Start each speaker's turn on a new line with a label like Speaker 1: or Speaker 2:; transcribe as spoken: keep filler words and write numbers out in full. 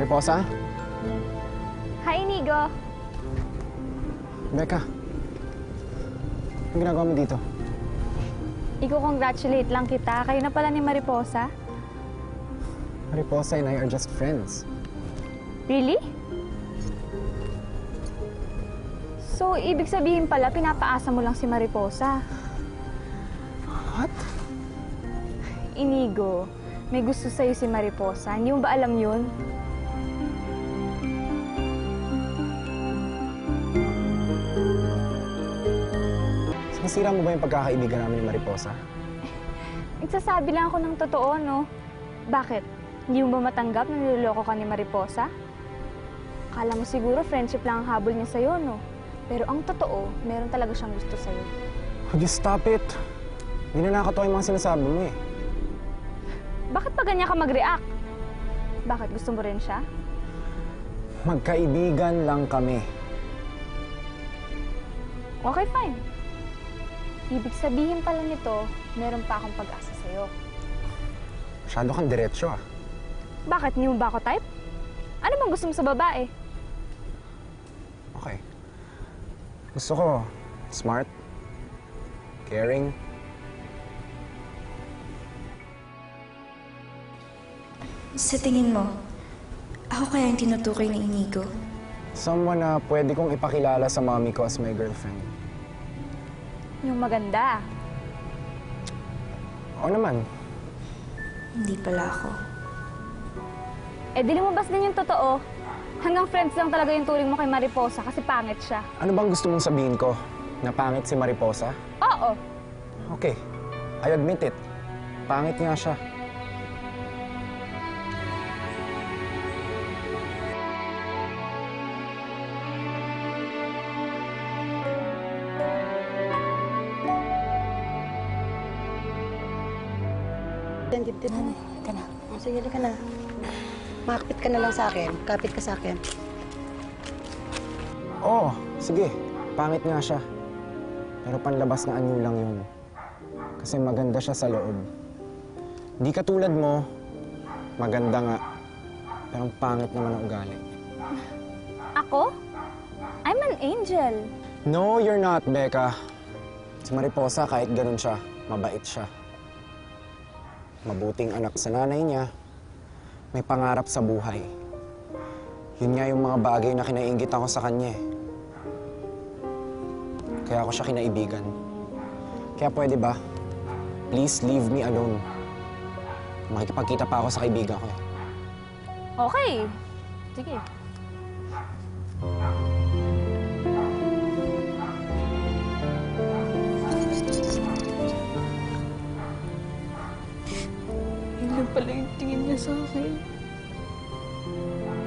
Speaker 1: Mariposa?
Speaker 2: Hi, Inigo.
Speaker 1: Becca. Anong ginagawa mo dito?
Speaker 2: Iko-congratulate lang kita. Kayo na pala ni Mariposa.
Speaker 1: Mariposa and I are just friends.
Speaker 2: Really? So, ibig sabihin pala, pinapaasa mo lang si Mariposa.
Speaker 1: What?
Speaker 2: Inigo, may gusto sa'yo si Mariposa. Hindi mo ba alam yun?
Speaker 1: Nasira mo ba yung pagkakaibigan namin ni Mariposa?
Speaker 2: Nagsasabi lang ako ng totoo, no? Bakit? Hindi mo ba matanggap na niloloko ka ni Mariposa? Akala mo siguro friendship lang ang habol niya sa'yo, no? Pero ang totoo, meron talaga siyang gusto sa'yo.
Speaker 1: Would you stop it? Hindi na nakakatawa yung mga sinasabi mo eh.
Speaker 2: Bakit pa ganyan ka mag-react? Bakit? Gusto mo rin siya?
Speaker 1: Magkaibigan lang kami.
Speaker 2: Okay, fine. Ibig sabihin pala nito, meron pa akong pag-asa sa'yo.
Speaker 1: Masyado kang diretsyo ah.
Speaker 2: Bakit? Hindi mo ba ako type? Ano bang gusto mo sa babae?
Speaker 1: Okay. Gusto ko smart, caring.
Speaker 3: Sa tingin mo, ako kaya yung tinutukoy ni Inigo?
Speaker 1: Someone na pwede kong ipakilala sa mommy ko as my girlfriend.
Speaker 2: Yung maganda.
Speaker 1: Oo naman.
Speaker 3: Hindi pala ako.
Speaker 2: Eh, di lumabas din yung totoo. Hanggang friends lang talaga yung turing mo kay Mariposa kasi pangit siya.
Speaker 1: Ano bang gusto mong sabihin ko? Na pangit si Mariposa?
Speaker 2: Oo.
Speaker 1: Okay. I admit it. Pangit nga siya.
Speaker 4: Yan, dibdib mo.
Speaker 3: Ka na.
Speaker 4: O, sige, ka na. Makapit ka na lang sa akin. Kapit ka sa akin.
Speaker 1: Oo, sige. Pangit nga siya. Pero panlabas na anyo lang yun. Kasi maganda siya sa loob. Di katulad mo, maganda nga. Pero ang pangit naman ang ugali.
Speaker 2: Ako? I'm an angel.
Speaker 1: No, you're not, Becca. Si Mariposa, kahit ganun siya, mabait siya. Mabuting anak sa nanay niya, may pangarap sa buhay. Yun nga yung mga bagay na kinaiingit ako sa kanya eh. Kaya ako siya kinaibigan. Kaya pwede ba, please leave me alone. Makikipagkita pa ako sa kaibigan ko eh.
Speaker 2: Okay. Sige.
Speaker 3: Yun lang pala yung tingin niya sa akin.